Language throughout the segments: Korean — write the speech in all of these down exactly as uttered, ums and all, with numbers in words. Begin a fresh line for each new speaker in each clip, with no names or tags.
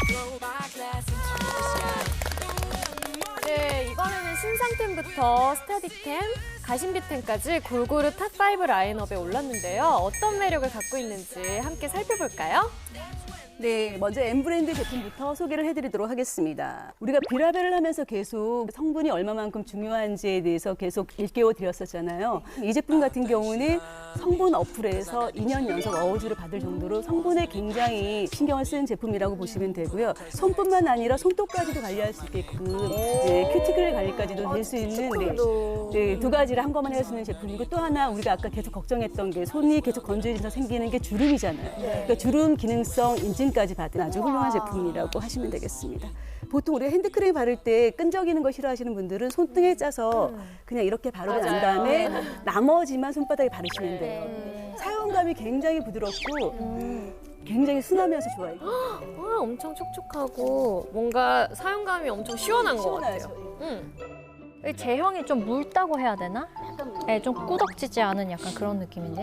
네, 이번에는 신상템부터 스타디템, 가심비템까지 골고루 탑 오 라인업에 올랐는데요. 어떤 매력을 갖고 있는지 함께 살펴볼까요?
네, 먼저 M브랜드 제품부터 소개를 해드리도록 하겠습니다. 우리가 비라벨을 하면서 계속 성분이 얼마만큼 중요한지에 대해서 계속 일깨워 드렸었잖아요. 이 제품 같은 경우는 성분 어플에서 이 년 연속 어워즈를 받을 정도로 성분에 굉장히 신경을 쓰는 제품이라고 보시면 되고요. 손뿐만 아니라 손톱까지도 관리할 수 있게끔 네, 큐티클 관리까지도 될 수 있는 네, 네, 두 가지를 한꺼번에 할 수 있는 제품이고, 또 하나 우리가 아까 계속 걱정했던 게 손이 계속 건조해져서 생기는 게 주름이잖아요. 그러니까 주름 기능성 인증 까지 받은 아주 훌륭한 제품이라고 하시면 되겠습니다. 보통 우리가 핸드크림 바를 때 끈적이는 거 싫어하시는 분들은 손등에 짜서 그냥 이렇게 바르고 난 다음에 나머지만 손바닥에 바르시면 돼요. 사용감이 굉장히 부드럽고 굉장히 순하면서 좋아요.
와, 엄청 촉촉하고 뭔가 사용감이 엄청 시원한 것 같아요. 음.
제형이 좀 묽다고 해야 되나? 네, 좀 꾸덕지지 않은 약간 그런 느낌인데.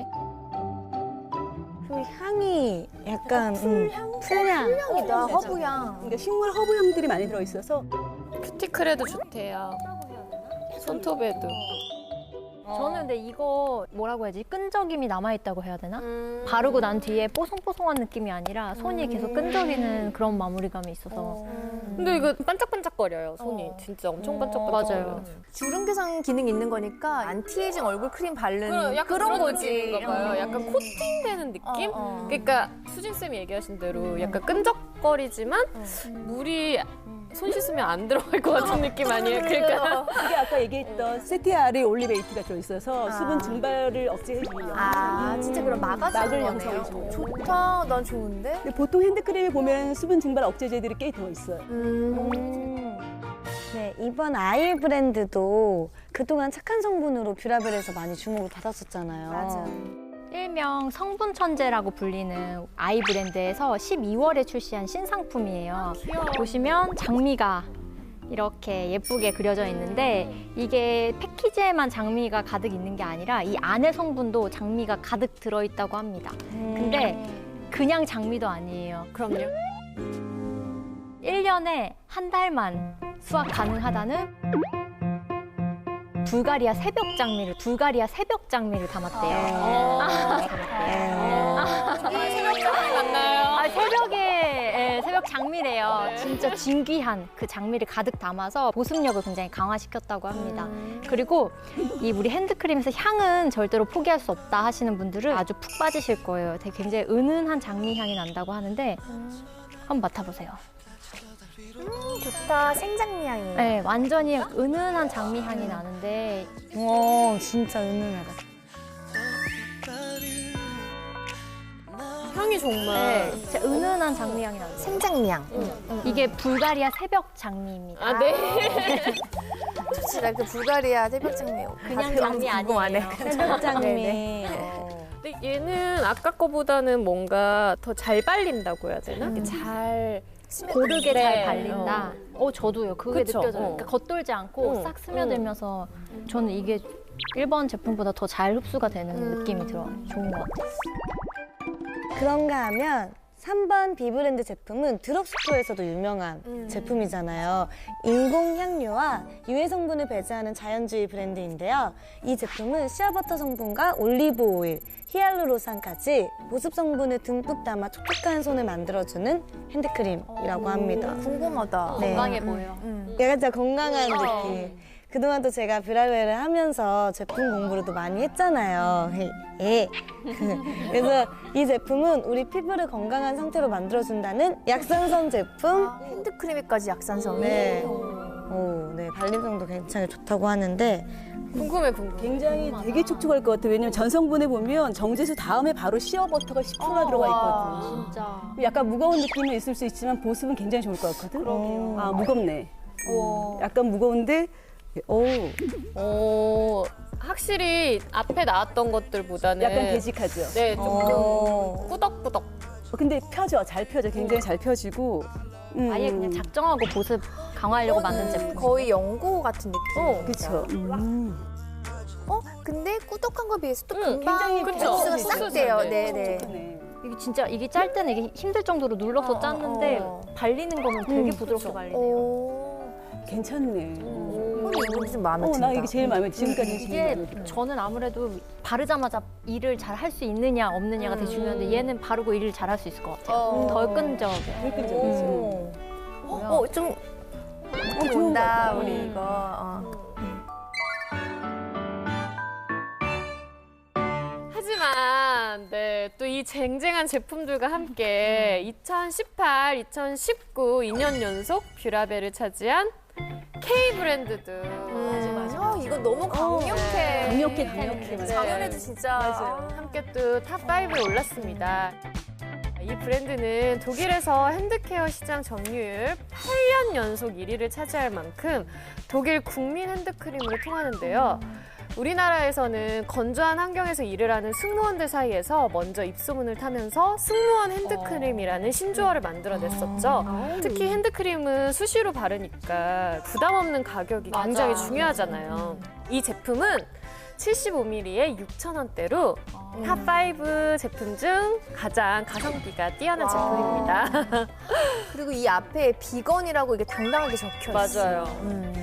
그 향이 약간 풀향? 음, 풀향.
풀향이다, 허브향.
그러니까 식물 허브 향들이 많이 들어있어서
큐티클에도 좋대요. 손톱에도.
저는 근데 이거 뭐라고 해야지? 끈적임이 남아있다고 해야 되나?
음.
바르고 난 뒤에 뽀송뽀송한 느낌이 아니라 손이 계속 끈적이는 그런 마무리감이 있어서.
음. 근데 이거 반짝반짝거려요, 손이.
어.
진짜 엄청 반짝반짝거려요.
맞아요.
주름 개선 기능 있는 거니까 안티에이징 얼굴 크림 바르는
그래, 약간
그런
그런
거지.
느낌인가 봐요.
어.
약간 코팅되는 느낌?
어, 어.
그러니까 수진쌤이 얘기하신 대로 약간 끈적거리지만 물이 손 씻으면 안 들어갈 것 같은 느낌 아니에요? 그러니까
이게 아까 얘기했던 세티아리 올리베이트가 들어있어서 수분 증발을 억제해주는 역할을
아, 진짜 그럼 막아주는
막을
거네요.
양성해줘요.
좋다, 난 좋은데?
근데 보통 핸드크림에 보면 수분 증발 억제제들이 꽤 들어있어요.
음. 네, 이번 아일 브랜드도 그동안 착한 성분으로 뷰라벨에서 많이 주목을 받았었잖아요.
맞아.
일명 성분 천재라고 불리는 아이 브랜드에서 십이월에 출시한 신상품이에요. 보시면 장미가 이렇게 예쁘게 그려져 있는데 이게 패키지에만 장미가 가득 있는 게 아니라 이 안에 성분도 장미가 가득 들어있다고 합니다. 근데 그냥 장미도 아니에요.
그럼요.
일 년에 한 달만 수확 가능하다는 불가리아 새벽 장미를 불가리아 새벽 장미를 담았대요.
정말 새벽 장미 맞나요?
아, 새벽에 예, 새벽 장미래요. 진짜 진귀한 그 장미를 가득 담아서 보습력을 굉장히 강화시켰다고 합니다. 그리고 이 우리 핸드크림에서 향은 절대로 포기할 수 없다 하시는 분들은 아주 푹 빠지실 거예요. 되게 굉장히 은은한 장미 향이 난다고 하는데 한번 맡아보세요.
음, 좋다, 생장미 향이.
네, 완전히 은은한 장미 향이 나는데
와, 진짜 은은하다.
향이 정말
네, 진짜 은은한 장미 향이 나요.
생장미 향.
이게 불가리아 새벽 장미입니다.
아, 네.
좋지, 나 그 불가리아 새벽 장미.
그냥 장미 아니에요.
새벽 장미.
근데 얘는 아까 거보다는 뭔가 더 잘 발린다고 해야 되나? 이렇게 잘
고르게
네.
잘 발린다. 어, 저도요. 그게
그쵸?
느껴져요.
어.
그러니까 겉돌지 않고
응.
싹 스며들면서 저는 이게 일본 제품보다 더 잘 흡수가 되는 느낌이 들어요. 좋은 것 같아요.
그런가 하면 삼 번 비브랜드 제품은 드럭스토어에서도 유명한
음.
제품이잖아요. 인공 향료와 유해 성분을 배제하는 자연주의 브랜드인데요. 이 제품은 시아버터 성분과 올리브 오일, 히알루론산까지 보습 성분을 듬뿍 담아 촉촉한 손을 만들어주는 핸드크림이라고 합니다.
궁금하다.
네.
건강해 보여.
음.
약간 진짜 건강한 느낌. 그동안 또 제가 뷰라벨을 하면서 제품 공부를 또 많이 했잖아요. 예. 그래서 이 제품은 우리 피부를 건강한 상태로 만들어준다는 약산성 제품.
아, 핸드크림에까지 약산성이.
네. 오, 네. 발림성도 굉장히 좋다고 하는데.
궁금해, 궁금해.
굉장히 되게 촉촉할 것 같아요. 왜냐면 전 성분에 보면 정제수 다음에 바로 시어버터가 십 퍼센트가 들어가 있거든요.
진짜.
약간 무거운 느낌은 있을 수 있지만 보습은 굉장히 좋을 것 같거든.
그러게요.
아, 무겁네. 약간 무거운데 오,
어, 확실히 앞에 나왔던 것들보다는
약간 되직하죠.
네, 조금
어.
꾸덕꾸덕.
어, 근데 펴져, 잘 펴져. 굉장히 잘 펴지고. 음.
아예 그냥 작정하고 보습 강화하려고 만든 제품.
거의 연고 같은 느낌.
어,
그쵸. 음.
어? 근데 꾸덕한 거에 비해서 또
응,
금방
굉장히 그쵸.
흡수가
흡수가
싹 돼요.
잘 돼.
네네.
촉촉하네.
이게 진짜 이게 짤 때는 이게 힘들 정도로 눌러서
어,
짰는데
어.
발리는 거는 되게
음,
부드럽게 발리네요.
오.
괜찮네.
손이 이거 좀 마음에
어,
든다.
나 이게 제일 마음에 지금까지 제일
이게
마음에 들어.
저는 아무래도 바르자마자 일을 잘 할 수 있느냐 없느냐가 되게 중요한데 얘는 바르고 일을 잘 할 수 있을 것 같아요.
어.
덜 끈적여요.
덜 끈적이지.
오. 어, 어, 좀
어, 좋은 것
온다
같아.
우리
음.
이거. 어.
하지만 네, 또 이 쟁쟁한 제품들과 함께 이천십팔, 이천십구 이 년 연속 뷰라벨을 차지한 K 브랜드들.
맞아, 맞아. 아, 이거 너무 강력해.
강력해, 강력해. 맞아.
작년에도 진짜.
맞아요.
함께 또 탑 파이브에 올랐습니다. 이 브랜드는 독일에서 핸드케어 시장 점유율 팔 년 연속 일 위를 차지할 만큼 독일 국민 핸드크림으로 통하는데요. 우리나라에서는 건조한 환경에서 일을 하는 승무원들 사이에서 먼저 입소문을 타면서 승무원 핸드크림이라는 신조어를 만들어냈었죠. 특히 핸드크림은 수시로 바르니까 부담 없는 가격이 굉장히 중요하잖아요. 이 제품은 칠십오 밀리리터에 육천 원대로 탑 파이브 제품 중 가장 가성비가 뛰어난 제품입니다.
그리고 이 앞에 비건이라고 이게 당당하게 적혀 있어.
맞아요.
음.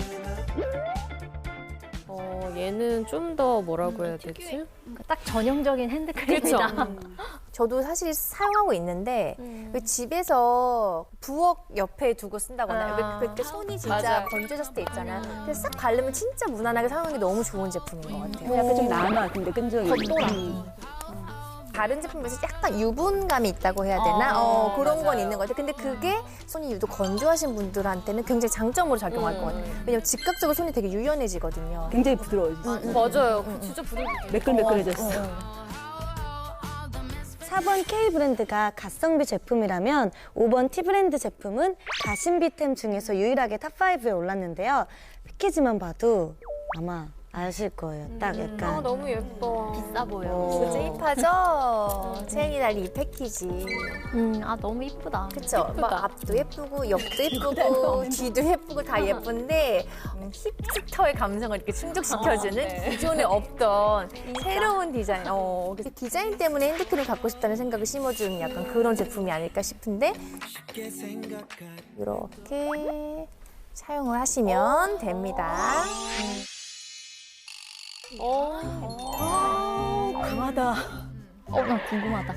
어, 얘는 좀 더 뭐라고 해야 되지?
그러니까 딱 전형적인 핸드크림이다.
그렇죠.
저도 사실 사용하고 있는데 그 집에서 부엌 옆에 두고 쓴다거나
아.
왜 그때 손이 진짜
맞아요.
건조해졌을 때 있잖아요. 근데 싹 바르면 진짜 무난하게 사용하기 너무 좋은 제품인 것 같아요.
약간 좀 남아, 근데 끈적이. 음.
다른 제품에서 약간 유분감이 있다고 해야 되나?
아,
어, 그런 건
맞아요.
있는 것 같아요. 근데 그게 손이 유독 건조하신 분들한테는 굉장히 장점으로 작용할
음.
것 같아요. 왜냐면 즉각적으로 손이 되게 유연해지거든요.
굉장히 부드러워졌어.
맞아요. 그 진짜 부들부들.
매끌매끌해졌어.
사 번 K 브랜드가 가성비 제품이라면 오 번 T 브랜드 제품은 가심비템 중에서 유일하게 탑 파이브에 올랐는데요. 패키지만 봐도 아마 아실 거예요. 딱
아,
약간
너무 예뻐.
비싸 보여.
어. 진짜 힙하죠? 체인이 달린 이 패키지.
음, 아 너무 이쁘다.
그쵸? 막 앞도 예쁘고 옆도 예쁘고 뒤도 예쁘고 다 예쁜데 음, 힙스터의 감성을 이렇게 충족시켜주는
네.
기존에 없던 새로운 디자인. 어, 그래서 디자인 때문에 핸드크림 갖고 싶다는 생각을 심어주는 약간 그런 제품이 아닐까 싶은데 이렇게 사용을 하시면 됩니다.
어.
강하다.
어, 나 궁금하다.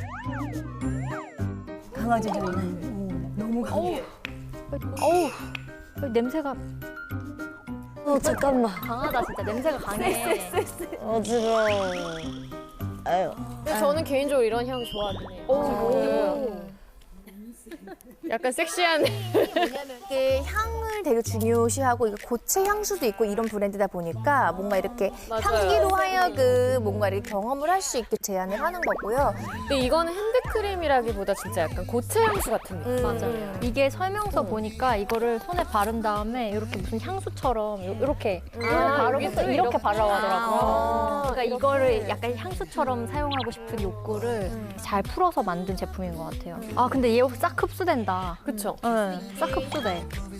강아지 향이. 음, 너무 강해.
어우, 어, 냄새가
어 잠깐만
강하다 진짜. 냄새가 강해.
어지러워. 아유.
근데 저는 개인적으로 이런 향 좋아하긴 해요. 오. 약간 섹시한.
이게 향을 되게 중요시하고 이게 고체 향수도 있고 이런 브랜드다 보니까 뭔가 이렇게
맞아요.
향기로 하여금 뭔가 이렇게 경험을 할 수 있게 제안을 하는 거고요.
근데 이거는 핸드크림이라기보다 진짜 약간 고체 향수 같은 느낌.
맞아요.
이게 설명서 보니까 이거를 손에 바른 다음에 이렇게 무슨 향수처럼 요- 이렇게 이렇게
아,
바르고
여기도
또 이렇게
이렇게.
바르라고 하더라고요.
아,
그러니까 이거를 약간 향수처럼 사용하고 싶은 욕구를 잘 풀어서 만든 제품인 것 같아요. 아 근데 얘 싹 흡수된다.
그쵸?
네, 싹 흡수돼.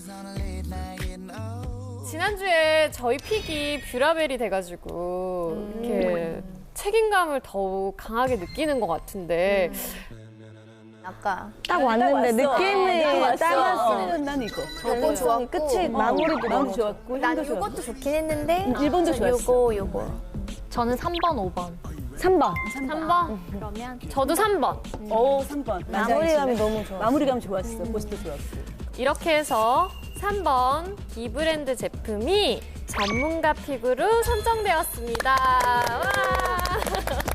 지난주에 저희 픽이 뷰라벨이 돼가지고 이렇게 책임감을 더욱 강하게 느끼는 것 같은데
아까
딱 왔는데 느낌이
딱
딱 왔어.
왔어. 난 이거.
너무 좋았고
끝이 마무리도
마음도
너무
좋았고
난
향도
이것도
좋았고.
좋긴 했는데
일본도
저
좋았어.
요거 요거
저는 삼 번, 오 번.
삼 번.
삼 번?
그러면
저도 삼 번.
오, 삼 번.
마무리감이 너무 좋아.
마무리감 좋았어. 포스도 좋았고.
이렇게 해서 삼 번 이 브랜드 제품이 전문가 픽으로 선정되었습니다. 와!